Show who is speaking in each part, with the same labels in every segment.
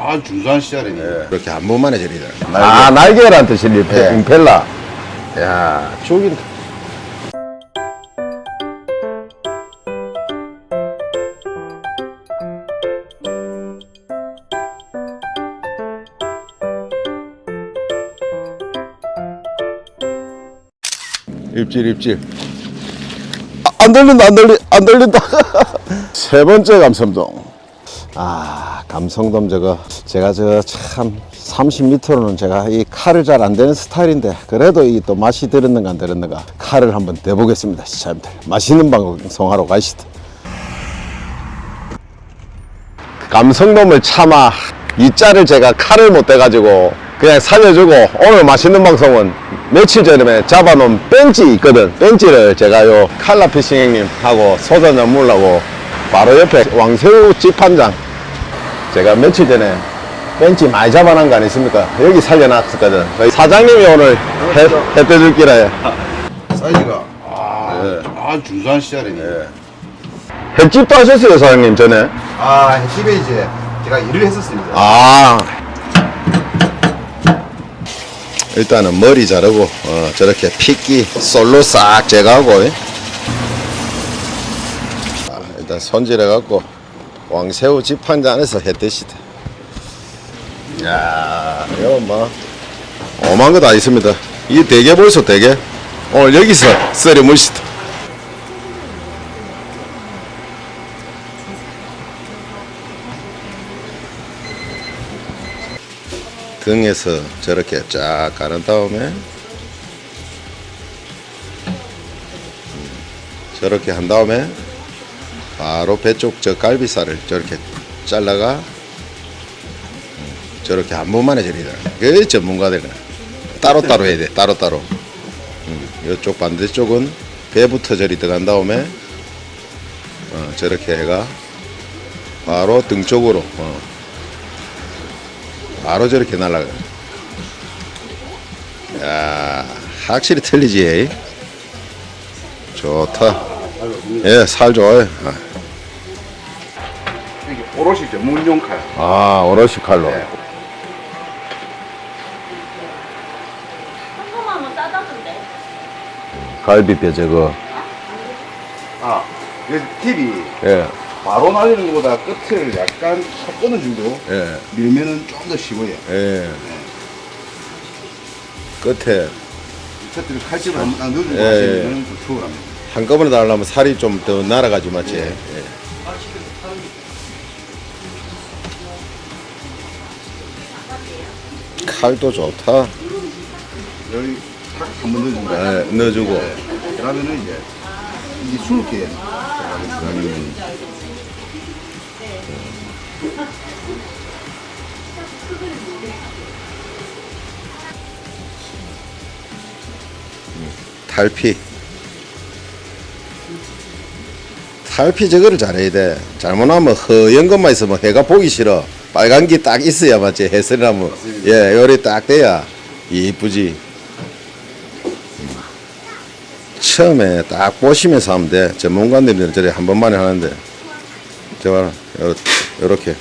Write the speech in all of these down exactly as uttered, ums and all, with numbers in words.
Speaker 1: 아, 중산 시절이네.
Speaker 2: 예. 그렇게 한 번만에 저리다.
Speaker 3: 아, 날개란 뜻이니,
Speaker 2: 예.
Speaker 3: 임펠라. 야, 죽인다. 입질, 입질. 아, 안 들린다, 안 들리, 안 들린다. 세 번째 감성돔. 아, 감성돔 저거, 제가 저 참 삼십 미터로는 제가 이 칼을 잘 안 되는 스타일인데, 그래도 이 또 맛이 들었는가 안 들었는가, 칼을 한번 대보겠습니다, 시청자님들. 맛있는 방송하러 가시다. 감성돔을 참아, 이 짤을 제가 칼을 못 대가지고, 그냥 살려주고, 오늘 맛있는 방송은 며칠 전에 잡아놓은 벤치 있거든. 벤치를 제가 요 칼라피싱 형님하고 소주 한잔 먹으려고 바로 옆에 왕새우 집한장, 제가 며칠 전에 벤치 많이 잡아놓은 거 아니십니까? 여기 살려놨었거든. 사장님이 오늘 해, 해 떼줄 기라 해.
Speaker 1: 사이즈가 아,
Speaker 2: 예.
Speaker 1: 아 중산 시절이네.
Speaker 2: 예. 횟집도 하셨어요, 사장님, 전에?
Speaker 1: 아, 집에 이제 제가 일을 했었습니다.
Speaker 2: 아. 일단은 머리 자르고, 어, 저렇게 핏기 솔로 싹 제거하고, 아, 일단 손질해갖고, 왕새우 집한잔 안에서 해 드시다. 야, 이거 뭐, 오만 거 다 있습니다. 이 대게 벌써 대게. 오늘 여기서 썰어 물시다. 등에서 저렇게 쫙 가른 다음에 저렇게 한 다음에 바로 배 쪽 저 갈비살을 저렇게 잘라가 저렇게 한 번만에 저리다. 그 전문가들은 따로따로 해야 돼. 따로따로. 이쪽 반대쪽은 배부터 저리 들어간 다음에 어, 저렇게 해가 바로 등 쪽으로 어. 바로 저렇게 날아가. 야, 확실히 틀리지. 좋다. 예, 살 좋아요. 아,
Speaker 1: 이게 오롯이 전문용 칼.
Speaker 3: 아, 오롯이 칼로.
Speaker 1: 네.
Speaker 4: 한번만 따다던데.
Speaker 3: 갈비뼈 저거.
Speaker 1: 아, 이 팁이
Speaker 3: 예,
Speaker 1: 바로 날리는 것보다 끝을 약간 탁 끊어주고
Speaker 2: 예,
Speaker 1: 밀면은 좀 더 쉬워요.
Speaker 2: 예. 끝에
Speaker 1: 첫째로 칼집을 한번 딱 넣어주고
Speaker 2: 예,
Speaker 1: 하시면 좀 수월합니다.
Speaker 2: 한꺼번에 달려면 살이 좀 더 날아가지 맞지? 예. 칼도 좋다.
Speaker 1: 여기 탁 한번 넣어줍니다.
Speaker 2: 예, 넣어주고.
Speaker 1: 네. 그러면은 이제 이게 수룩해. 그러면
Speaker 2: 탈피. 탈피 저거를 잘해야 돼. 잘못하면 허연 것만 있으면 해가 보기 싫어. 빨간 게 딱 있어야 맞지. 해설이라면 예, 요리 딱 돼야 이쁘지. 처음에 딱 보시면서 하면 돼. 전문가들은 저래 한 번만에 하는데. 저 봐라. 요, 요렇게.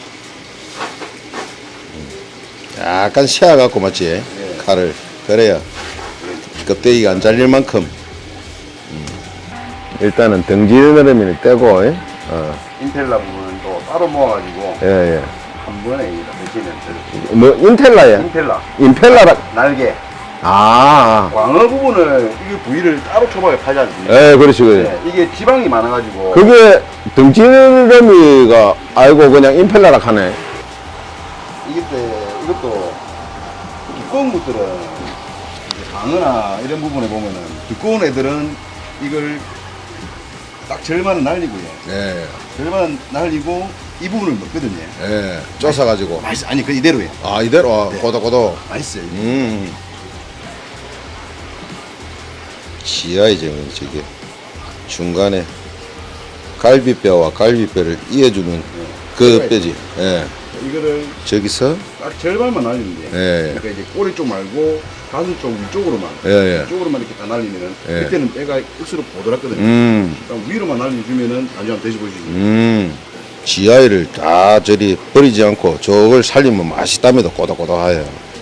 Speaker 2: 약간 세어갖고 맞지?
Speaker 1: 네.
Speaker 2: 칼을. 그래야 껍데기가 안 잘릴 만큼.
Speaker 3: 일단은 등지느러미를 떼고, 예? 어,
Speaker 1: 인텔라 부분은 또 따로 모아가지고
Speaker 3: 예, 예.
Speaker 1: 한 번에 드시면 돼요.
Speaker 3: 뭐, 인텔라야?
Speaker 1: 인텔라
Speaker 3: 임펠라라.
Speaker 1: 날개
Speaker 3: 아,
Speaker 1: 광어 부분을 이게 부위를 따로 초밥에 팔지 않습니까?
Speaker 3: 예, 그렇지, 그렇지.
Speaker 1: 네, 이게 지방이 많아가지고
Speaker 3: 그게 등지느러미가 알고 그냥 임펠라라 하네.
Speaker 1: 이게 때 이것도 두꺼운 것들은 이제 광어나 이런 부분에 보면은 두꺼운 애들은 이걸 딱 절반은 날리고요.
Speaker 2: 예,
Speaker 1: 절반은 날리고 이 부분을 먹거든요.
Speaker 2: 예. 쪼사가지고.
Speaker 1: 맛있어. 아니 그 이대로예요.
Speaker 2: 아, 이대로, 아,
Speaker 1: 네.
Speaker 2: 고도고도.
Speaker 1: 맛있어요. 이게.
Speaker 2: 음. 지하이죠, 저게. 중간에 갈비뼈와 갈비뼈를 이어주는 그 뼈지. 예.
Speaker 1: 이거를
Speaker 2: 저기서,
Speaker 1: 딱 절반만 날리면 돼요.
Speaker 2: 예,
Speaker 1: 그러니까 이제 꼬리 쪽 말고 가슴 쪽 위쪽으로만
Speaker 2: 예, 예.
Speaker 1: 위쪽으로만 이렇게 다 날리면은
Speaker 2: 예.
Speaker 1: 그때는 뼈가 억수로 보드랍거든요.
Speaker 2: 음,
Speaker 1: 그럼 위로만 날려주면은 나중에 한번 드셔보시죠.
Speaker 2: 음. 지하를 다 저리 버리지 않고 저걸 살리면 맛있답니다. 꼬독꼬독하여.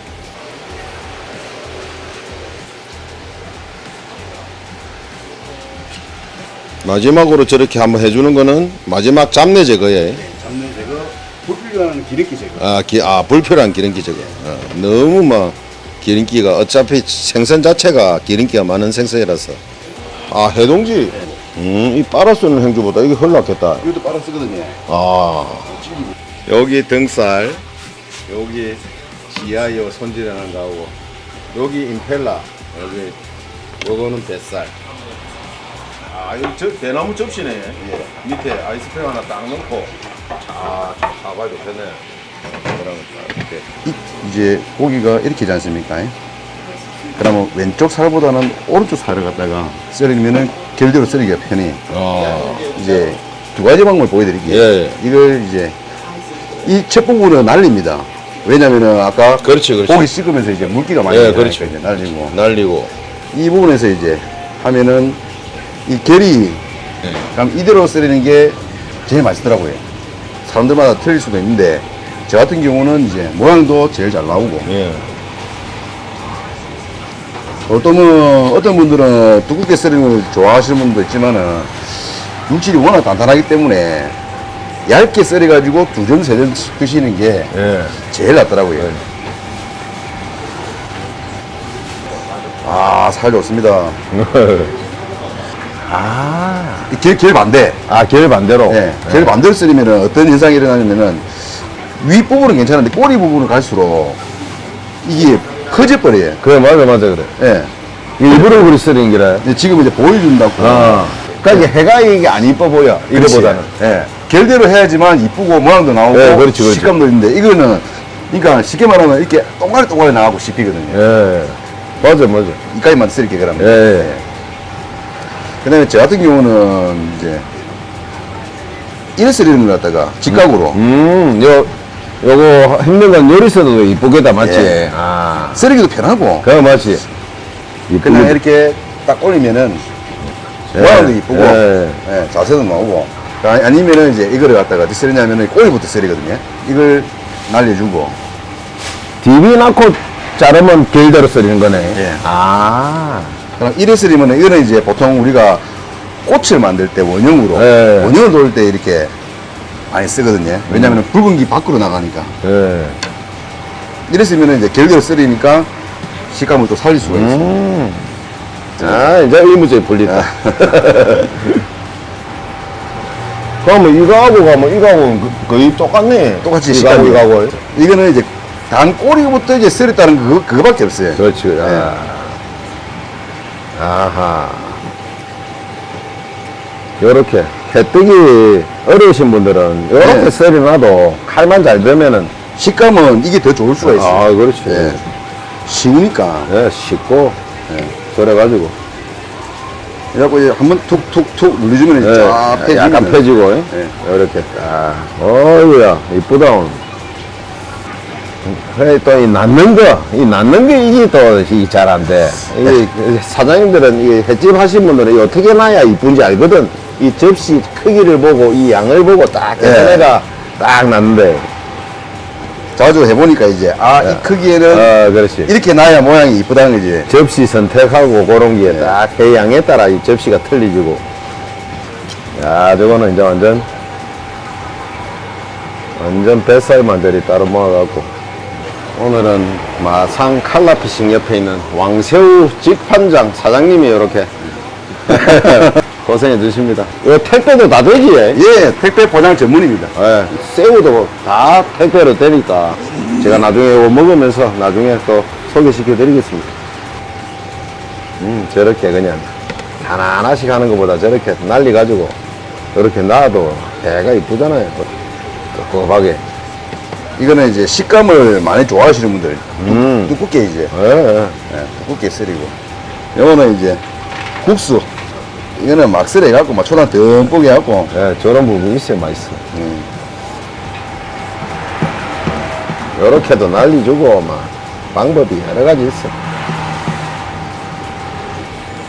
Speaker 2: 마지막으로 저렇게 한번 해주는 거는 마지막 잡내 제거에
Speaker 1: 잡내 제거, 불필요한 기름기 제거.
Speaker 2: 아, 기, 아 불필요한 기름기 제거. 어, 너무 막 기름기가 어차피 생선 자체가 기름기가 많은 생선이라서. 아 해동지. 음, 이 빨아 쓰는 행주보다 이게 훨 낫겠다.
Speaker 1: 이것도 빨아 쓰거든요.
Speaker 2: 아 여기 등살, 여기 지하요 손질하는 거하고, 여기 임펠라, 여기 요거는 뱃살. 아, 이거 저 대나무 접시네. 예. 밑에 아이스팩 하나 딱 넣고, 아, 좀 사봐야 좋겠네. 그러면 딱 이렇게.
Speaker 1: 이, 이제 고기가 이렇게 되지 않습니까? 그러면 왼쪽 살보다는 오른쪽 살을 갖다가 썰으면은 결대로 썰기가 편해.
Speaker 2: 아,
Speaker 1: 이제 두 가지 방법을 보여드릴게요.
Speaker 2: 예.
Speaker 1: 이걸 이제 이 첫 부분은 날립니다. 왜냐면은 아까
Speaker 2: 그렇지, 그렇지.
Speaker 1: 고기 씹으면서 이제 물기가 많이
Speaker 2: 예,
Speaker 1: 나니까
Speaker 2: 그렇죠.
Speaker 1: 이제 날리고
Speaker 2: 날리고.
Speaker 1: 이 부분에서 이제 하면은 이 결이
Speaker 2: 예.
Speaker 1: 그럼 이대로 썰리는 게 제일 맛있더라고요. 사람들마다 틀릴 수도 있는데 저 같은 경우는 이제 모양도 제일 잘 나오고
Speaker 2: 예.
Speaker 1: 어떤 분, 어떤 분들은 두껍게 썰리는 걸 좋아하시는 분도 있지만은 육질이 워낙 단단하기 때문에 얇게 썰어가지고 두 점, 세 점 드시는 게
Speaker 2: 예.
Speaker 1: 제일 낫더라고요. 아, 살 좋습니다.
Speaker 3: 아,
Speaker 1: 이 길, 길 반대.
Speaker 3: 아, 결 반대로.
Speaker 1: 예, 길 반대로 썰리면은 어떤 현상이 일어나냐면은 윗부분은 괜찮은데 꼬리 부분을 갈수록 이게 커져버려요.
Speaker 3: 그래, 맞아, 맞아, 그래.
Speaker 1: 예.
Speaker 3: 일부러 그리 쓰는 기라.
Speaker 1: 근데 지금 이제 보여준다고.
Speaker 3: 아. 그러니까 이게 해가 이게 안 이뻐 보여. 이거보다는.
Speaker 1: 예. 결대로 해야지만 이쁘고 모양도 나오고
Speaker 3: 예, 그렇지, 그렇지.
Speaker 1: 식감도 있는데 이거는 그러니까 쉽게 말하면 이렇게 동가리 동가리 나가고 씹히거든요.
Speaker 3: 예. 맞아, 맞아.
Speaker 1: 이까지만 쓸게 그러면.
Speaker 3: 예, 예.
Speaker 1: 그다음에 저 같은 경우는 이제 이래 썰리는 걸 갖다가 직각으로
Speaker 3: 음, 요, 요거 힘든 건 요리서도 이쁘겠다, 맞지?
Speaker 1: 예.
Speaker 3: 아.
Speaker 1: 썰기도 편하고
Speaker 3: 그거 맞지?
Speaker 1: 그냥
Speaker 3: 이쁘게.
Speaker 1: 이렇게 딱 올리면은
Speaker 3: 예.
Speaker 1: 모양도 이쁘고
Speaker 3: 예.
Speaker 1: 예, 자세도 나오고 아- 아니면은 이제 이거를 갖다가 어떻게 썰냐면은 꼬리부터 썰이거든요. 이걸 날려주고
Speaker 3: 디비 낳고 자르면 길대로 썰리는 거네.
Speaker 1: 예.
Speaker 3: 아.
Speaker 1: 그럼 이래 썰이면은 이거는 이제 보통 우리가 꽃을 만들 때 원형으로
Speaker 3: 예.
Speaker 1: 원형을 돌 때 이렇게 많이 쓰거든요. 왜냐면은 붉은 기 밖으로 나가니까
Speaker 3: 예.
Speaker 1: 이래 쓰면은 이제 결대로 썰이니까 식감을 또 살릴 수가 있어요.
Speaker 3: 음. 아, 이제 의무적이 풀린다. 그러면 이거하고 가면 이거하고는 그- 거의 똑같네.
Speaker 1: 똑같이
Speaker 3: 이거하고
Speaker 1: 식감이.
Speaker 3: 이거하고.
Speaker 1: 이거는 이제 단 꼬리부터 이제 썰었다는 그거, 그거밖에 없어요.
Speaker 3: 그렇지. 아. 아하. 요렇게. 해뜨기 어려우신 분들은 요렇게
Speaker 1: 네.
Speaker 3: 썰어놔도 칼만 잘 되면은.
Speaker 1: 식감은 이게 더 좋을 수가 있어요.
Speaker 3: 아, 그렇지.
Speaker 1: 예. 쉬우니까.
Speaker 3: 예, 쉽고, 예, 썰어가지고.
Speaker 1: 그래갖고 이제 한번 툭툭툭 눌러주면 이제
Speaker 3: 예,
Speaker 1: 쫙 펴지면.
Speaker 3: 약간 펴지고, 예.
Speaker 1: 예.
Speaker 3: 이렇게 딱. 어이구야, 이쁘다, 오늘. 그래, 또, 이 낳는 거, 이 낳는 게 이게 또, 잘 안 돼. 이 사장님들은, 이 횟집 하신 분들은 이 어떻게 놔야 이쁜지 알거든. 이 접시 크기를 보고, 이 양을 보고 딱,
Speaker 1: 예.
Speaker 3: 계산해가 딱 낳는데.
Speaker 1: 자주 해보니까 이제, 아,
Speaker 3: 예.
Speaker 1: 이 크기에는
Speaker 3: 아, 그렇지.
Speaker 1: 이렇게 놔야 모양이 이쁘다는 거지.
Speaker 3: 접시 선택하고 그런 게
Speaker 1: 예.
Speaker 3: 딱 해양에 따라 이 접시가 틀리지고. 야, 저거는 이제 완전, 완전 뱃살만 저리 따로 모아갖고. 오늘은 마상 칼라피싱 옆에 있는 왕새우 직판장 사장님이 이렇게 고생해 주십니다. 이거 택배도 다 되지? 예?
Speaker 1: 예, 택배 포장 전문입니다.
Speaker 3: 예, 새우도 다 택배로 되니까 제가 나중에 이거 먹으면서 나중에 또 소개시켜 드리겠습니다. 음, 저렇게 그냥 하나하나씩 하는 것보다 저렇게 날리가지고 이렇게 놔도 배가 이쁘잖아요. 끄급하게.
Speaker 1: 이거는 이제 식감을 많이 좋아하시는 분들.
Speaker 3: 음.
Speaker 1: 두껍게 이제,
Speaker 3: 예, 예.
Speaker 1: 예, 두껍게 썰이고. 요거는 이제 국수. 이거는 막 썰어갖고, 막 초단 듬뿍 해갖고,
Speaker 3: 예, 저런 부분이 있어야 맛있어.
Speaker 1: 음,
Speaker 3: 요렇게도 날리주고, 막, 방법이 여러 가지 있어.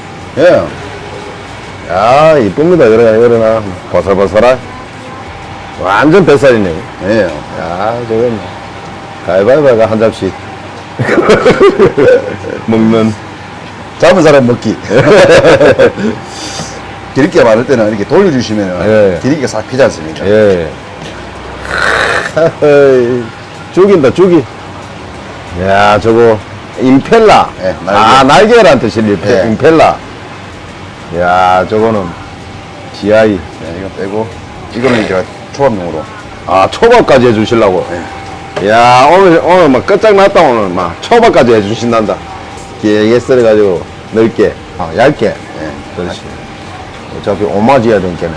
Speaker 1: 예.
Speaker 3: 야, 이쁩니다. 이러나, 이러나. 버설버설한. 완전 뱃살이네.
Speaker 1: 예.
Speaker 3: 야, 저건 가위바위보가 한 잡씩 먹는.
Speaker 1: 잡은 사람 먹기. 기름기가 많을 때는 이렇게 돌려주시면
Speaker 3: 예.
Speaker 1: 기름기가 싹 피지 않습니까?
Speaker 3: 예. 죽인다, 죽이. 야, 저거, 임펠라.
Speaker 1: 예, 날개.
Speaker 3: 아, 날개란 뜻이 임펠,
Speaker 1: 예.
Speaker 3: 임펠라. 야, 저거는 지아이.
Speaker 1: 네, 이거 빼고 이거는 제가 초밥용으로.
Speaker 3: 아, 초밥까지 해주시려고. 야, 오늘, 오늘 막 끝장났다, 오늘 막. 초밥까지 해주신단다. 길게 썰어가지고, 넓게, 아, 얇게.
Speaker 1: 예.
Speaker 3: 그렇지. 어차피 오마지 해야 되니까.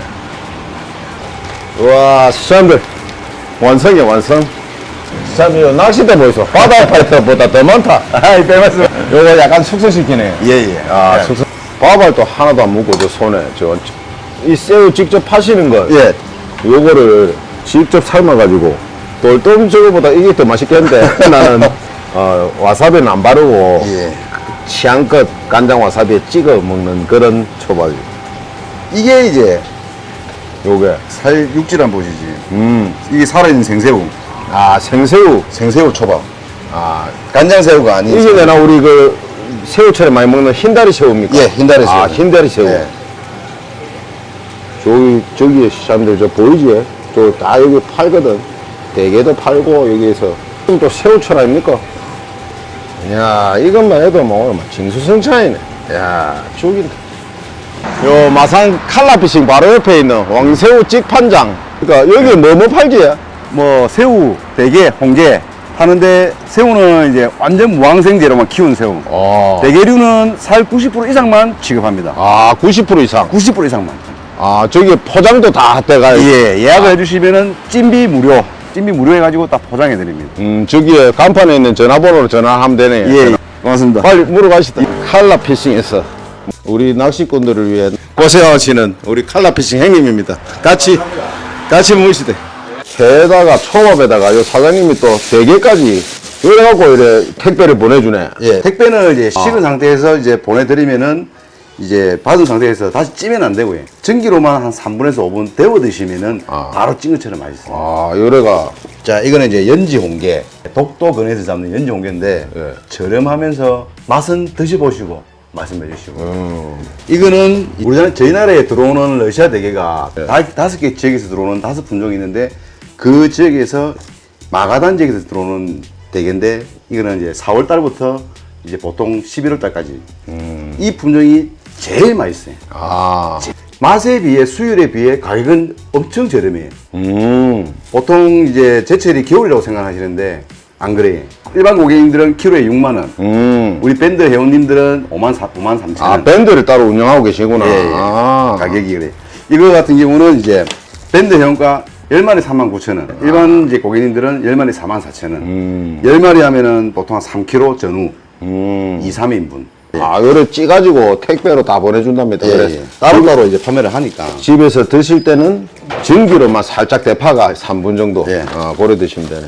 Speaker 3: 우와, 시청자들. 완성이야, 완성. 참, 이 낚싯대 보이소. 바다 파이터보다 더 많다. 아이, 빼봤어. 요거 약간 숙성시키네.
Speaker 1: 예, 예.
Speaker 3: 아,
Speaker 1: 예.
Speaker 3: 숙성. 밥알도 하나도 안 묻고, 저 손에. 저, 이 새우 직접 파시는 거.
Speaker 1: 예.
Speaker 3: 요거를 직접 삶아가지고. 돌돔 저거보다 이게 더 맛있겠는데. 나는, 어, 와사비는 안 바르고.
Speaker 1: 예.
Speaker 3: 취향껏 간장 와사비에 찍어 먹는 그런 초밥이.
Speaker 1: 이게 이제
Speaker 3: 요게.
Speaker 1: 살 육질 한번 보시지.
Speaker 3: 음.
Speaker 1: 이게 살아있는 생새우.
Speaker 3: 아, 생새우.
Speaker 1: 생새우 초밥.
Speaker 3: 아,
Speaker 1: 간장새우가 아닌.
Speaker 3: 이게 내가 우리 그 새우처럼 많이 먹는 흰다리 새우입니까?
Speaker 1: 예, 흰다리 새우.
Speaker 3: 아, 흰다리 새우.
Speaker 1: 예.
Speaker 3: 저기, 저기에 시장들 저 보이지? 저 다 여기 팔거든. 대게도 팔고, 여기에서. 그럼 또 새우철 아닙니까? 이야, 이것만 해도 뭐 오늘 막 징수성찬이네. 야, 죽인다. 요 마산 칼라피싱 바로 옆에 있는 왕새우 찍판장. 그러니까 여기 뭐 뭐 팔지?
Speaker 1: 뭐 새우, 대게, 홍게 하는데 새우는 이제 완전 무항생제로만 키운 새우.
Speaker 3: 어.
Speaker 1: 대게류는 살 구십 퍼센트 이상만 취급합니다.
Speaker 3: 아, 구십 퍼센트 이상.
Speaker 1: 구십 퍼센트 이상만.
Speaker 3: 아, 저기 포장도 다 돼가.
Speaker 1: 예, 예약을 해주시면은 찜비 무료. 찜비 무료 해가지고 딱 포장해 드립니다.
Speaker 3: 음, 저기에 간판에 있는 전화번호로 전화하면 되네.
Speaker 1: 예, 고맙습니다.
Speaker 3: 빨리 물어가시다. 칼라 피싱에서 우리 낚시꾼들을 위해
Speaker 2: 고생하시는 우리 칼라피싱 형님입니다. 같이 같이 모시대.
Speaker 3: 게다가 초밥에다가 요 사장님이 또 대게까지 이래갖고 이래 택배를 보내주네.
Speaker 1: 예, 택배는 이제
Speaker 3: 아.
Speaker 1: 식은 상태에서 이제 보내드리면은 이제 받은 상태에서 다시 찌면 안 되고요. 전기로만 한 삼 분에서 오 분 데워 드시면은
Speaker 3: 아.
Speaker 1: 바로 찐 것처럼 맛있어요.
Speaker 3: 아, 요래가
Speaker 1: 자, 이거는 이제 연지 홍게. 독도 근해에서 잡는 연지 홍게인데
Speaker 3: 예.
Speaker 1: 저렴하면서 맛은 드셔보시고 말씀해 주시고.
Speaker 3: 음,
Speaker 1: 이거는 우리나라 저희 나라에 들어오는 러시아 대게가
Speaker 3: 예.
Speaker 1: 다, 다섯 개 지역에서 들어오는 다섯 품종이 있는데 그 지역에서 마가단 지역에서 들어오는 대게인데 이거는 이제 사월 달부터 이제 보통 십일월 달까지
Speaker 3: 음.
Speaker 1: 이 품종이 제일 맛있어요.
Speaker 3: 아,
Speaker 1: 맛에 비해 수율에 비해 가격은 엄청 저렴해요.
Speaker 3: 음,
Speaker 1: 보통 이제 제철이 겨울이라고 생각하시는데 안 그래요. 일반 고객님들은 키로에 육만 원,
Speaker 3: 음.
Speaker 1: 우리 밴드 회원님들은 오만 삼천 원.
Speaker 3: 아, 밴드를 따로 운영하고 계시구나.
Speaker 1: 예, 예.
Speaker 3: 아,
Speaker 1: 가격이 그래. 이거 같은 경우는 이제 밴드 회원가 열 마리 삼만 구천 원, 일반 이제 고객님들은 열 마리 사만 사천 원.
Speaker 3: 음,
Speaker 1: 열 마리 하면은 보통 한 삼 킬로그램 전후,
Speaker 3: 음.
Speaker 1: 이, 삼 인분.
Speaker 3: 아, 요래 찌가지고 택배로 다 보내준답니다.
Speaker 1: 예,
Speaker 3: 그래서
Speaker 1: 예. 따로따로 이제 판매를 하니까.
Speaker 3: 집에서 드실 때는 전기로만 살짝 대파가 삼 분 정도
Speaker 1: 예.
Speaker 3: 어, 고려 드시면 되네.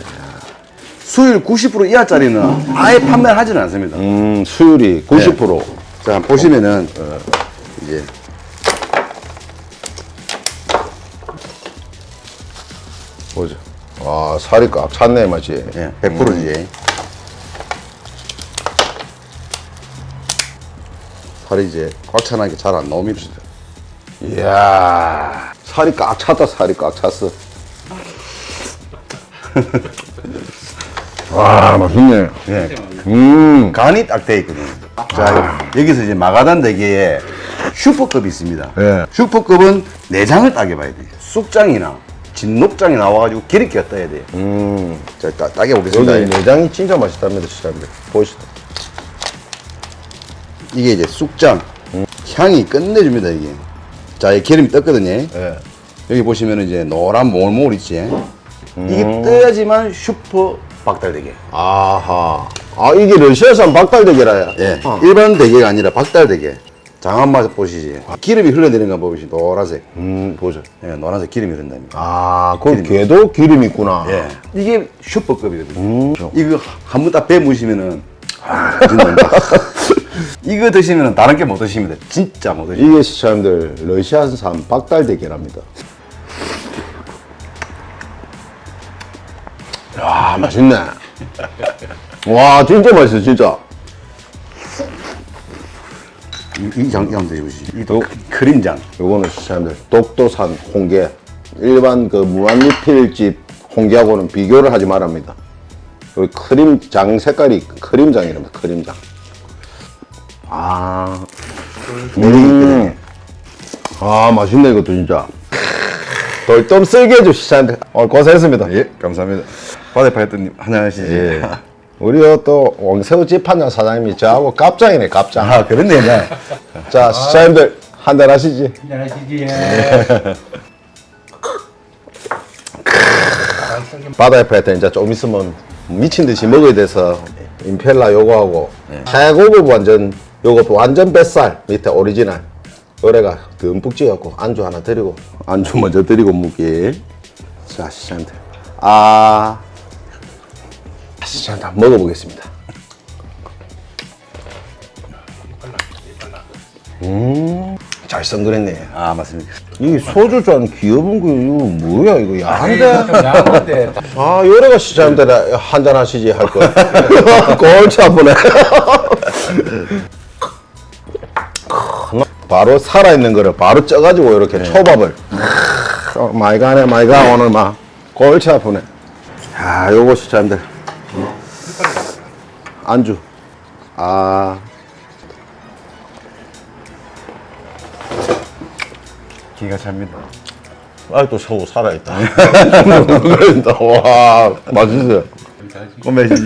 Speaker 1: 수율 구십 퍼센트 이하짜리는 아예 판매를 하지는 않습니다.
Speaker 3: 음, 수율이 구십 퍼센트.
Speaker 1: 자, 보시면은, 이제,
Speaker 3: 보죠. 와, 살이 꽉 찼네, 맞지?
Speaker 1: 예, 백 퍼센트지. 살이 이제 꽉 차나게 잘 안 나옵니다.
Speaker 3: 이야, 살이 꽉 찼다, 살이 꽉 찼어. 와, 맛있네.
Speaker 1: 예.
Speaker 3: 음,
Speaker 1: 간이 딱 돼 있거든요. 자, 여기서 이제 마가단 대게에 슈퍼급이 있습니다.
Speaker 3: 예.
Speaker 1: 슈퍼급은 내장을 따게 봐야 돼요. 쑥장이나 진녹장이 나와가지고 기름기가 떠야 돼요.
Speaker 3: 음.
Speaker 1: 자, 따, 따게 보겠습니다.
Speaker 3: 여기 내장이 진짜 맛있답니다, 시장님. 보시다.
Speaker 1: 이게 이제 쑥장. 향이 끝내줍니다, 이게. 자, 이 기름이 떴거든요.
Speaker 3: 예.
Speaker 1: 여기 보시면 이제 노란 모글모글 있지.
Speaker 3: 음.
Speaker 1: 이게 떠야지만 슈퍼 박달대게.
Speaker 3: 아하. 아, 이게 러시아산 박달대게라야.
Speaker 1: 예.
Speaker 3: 어.
Speaker 1: 일반 대게가 아니라 박달대게. 장한 맛 보시지. 기름이 흘러내리는 거 보시지. 노란색.
Speaker 3: 음, 보죠.
Speaker 1: 예, 노란색 기름이 흐른답니다.
Speaker 3: 아, 그 게도 기름 있구나.
Speaker 1: 예. 이게 슈퍼급이거든요.
Speaker 3: 음.
Speaker 1: 이거 한 번 딱 배무시면은, 아, 진짜. 이거 드시면 다른 게 못 드십니다. 진짜 못 드십니다.
Speaker 3: 이게 시청자들 러시아산 박달대게랍니다. 야, 맛있네. 와, 진짜 맛있어, 진짜.
Speaker 1: 이장 이장도 이거지. 이도 크림장.
Speaker 3: 요거는 시청자들 독도산 홍게. 일반 그 무한리필집 홍게하고는 비교를 하지 말랍니다. 여기 크림장 색깔이 크림장이랍니다. 크림장. 아, 음, 아 맛있네 이것도 진짜. 돌돔 쓸게 해줘 시청자들. 오늘 고생했습니다.
Speaker 1: 예, 감사합니다. 바다파이터님 안녕하시지.
Speaker 3: 예. 우리 또 왕새우 집한장 사장님이 저하고 깝장이네 깝장.
Speaker 1: 아, 그렇네. 네.
Speaker 3: 자 시청자님들 한잔 하시지.
Speaker 4: 안녕하시지.
Speaker 3: 바다의 패턴 이제 좀 있으면 미친 듯이 먹어야 돼서 임펠라 요거하고 최고급 완전 요거 완전 뱃살 밑에 오리지널 요래가 듬뿍 찍어갖고 안주 하나 드리고
Speaker 1: 안주 먼저 드리고 묵기.
Speaker 3: 자 시청자들 아 시청자들 한번 먹어보겠습니다. 음 잘성그랬네.
Speaker 1: 아, 맞습니다.
Speaker 3: 이 소주잔 귀여운 거 이거 뭐야 이거 야한데.
Speaker 4: 야한데.
Speaker 3: 아, 요래가 시장님들 한잔 하시지 할 거. 골치 아프네. 바로 살아있는 거를 바로 쪄가지고 이렇게 초밥을. 어, 많이 가네, 많이 가, 오늘 막. 골치 아프네. 야, 요거 시장님들. 안주. 아.
Speaker 1: 기가 찹니다.
Speaker 3: 아직도 서우 살아있다. 그런다. 와, 맛있어요.
Speaker 1: 꼬매시지.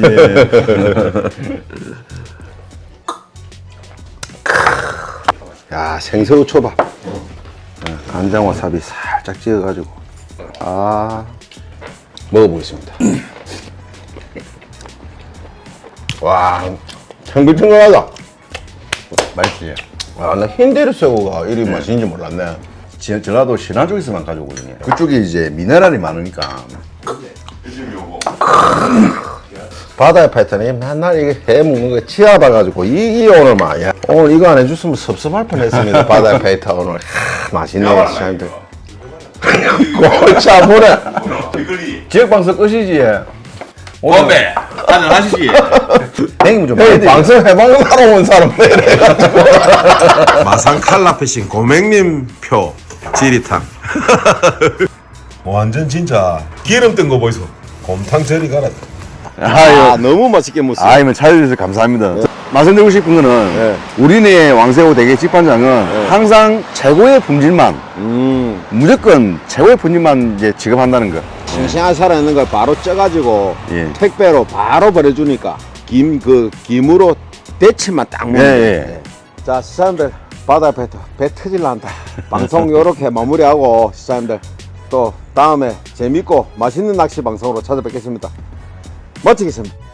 Speaker 3: 야, 생새우 초밥. 간장 와사비 살짝 찍어가지고. 아, 먹어보겠습니다. 와, 탱글탱글하다.
Speaker 1: 맛있지.
Speaker 3: 아, 나 흰대리 새우가 이리 맛있는지 몰랐네.
Speaker 1: 지- 전라도 신안 쪽에서만 가져오거든요. 그쪽에 이제 미네랄이 많으니까.
Speaker 3: 바다의 패턴이 맨날 이게 해 먹는 거 치아봐가지고 이, 이 오늘 막 야, 오늘 이거 안 해줬으면 섭섭할 뻔했습니다. 바다의 패턴 오늘 하, 맛있네 시장님들. 골치 아프네.
Speaker 1: 지역방송 끝이지.
Speaker 2: 건배 한잔 하시지.
Speaker 1: 형님 좀
Speaker 3: 에이,
Speaker 1: 해드리-
Speaker 3: 방송 해방하러 온 사람 이래가지고.
Speaker 5: 마산 칼라피싱 고맹님 표 지리탕 완전 진짜 기름 뜬 거 보이소. 곰탕 저리 가라.
Speaker 1: 아유,
Speaker 3: 너무 맛있게 먹었어.
Speaker 1: 아이면 찾아주셔서 감사합니다. 말씀드리고 싶은 거는
Speaker 3: 네.
Speaker 1: 우리네 왕새우 대게 집반장은 항상 최고의 품질만,
Speaker 3: 음,
Speaker 1: 무조건 최고의 품질만 이제 지급한다는 거.
Speaker 3: 싱싱하게 살아있는 걸 바로 쪄가지고
Speaker 1: 예.
Speaker 3: 택배로 바로 보내주니까 김 그 김으로 대치만 딱 먹는
Speaker 1: 예,
Speaker 3: 거예요.
Speaker 1: 예.
Speaker 3: 예. 자 시장님들 바다 배, 배 터질란다. 방송 요렇게 마무리하고 시장님들 또 다음에 재밌고 맛있는 낚시 방송으로 찾아뵙겠습니다. 멋지겠습니다.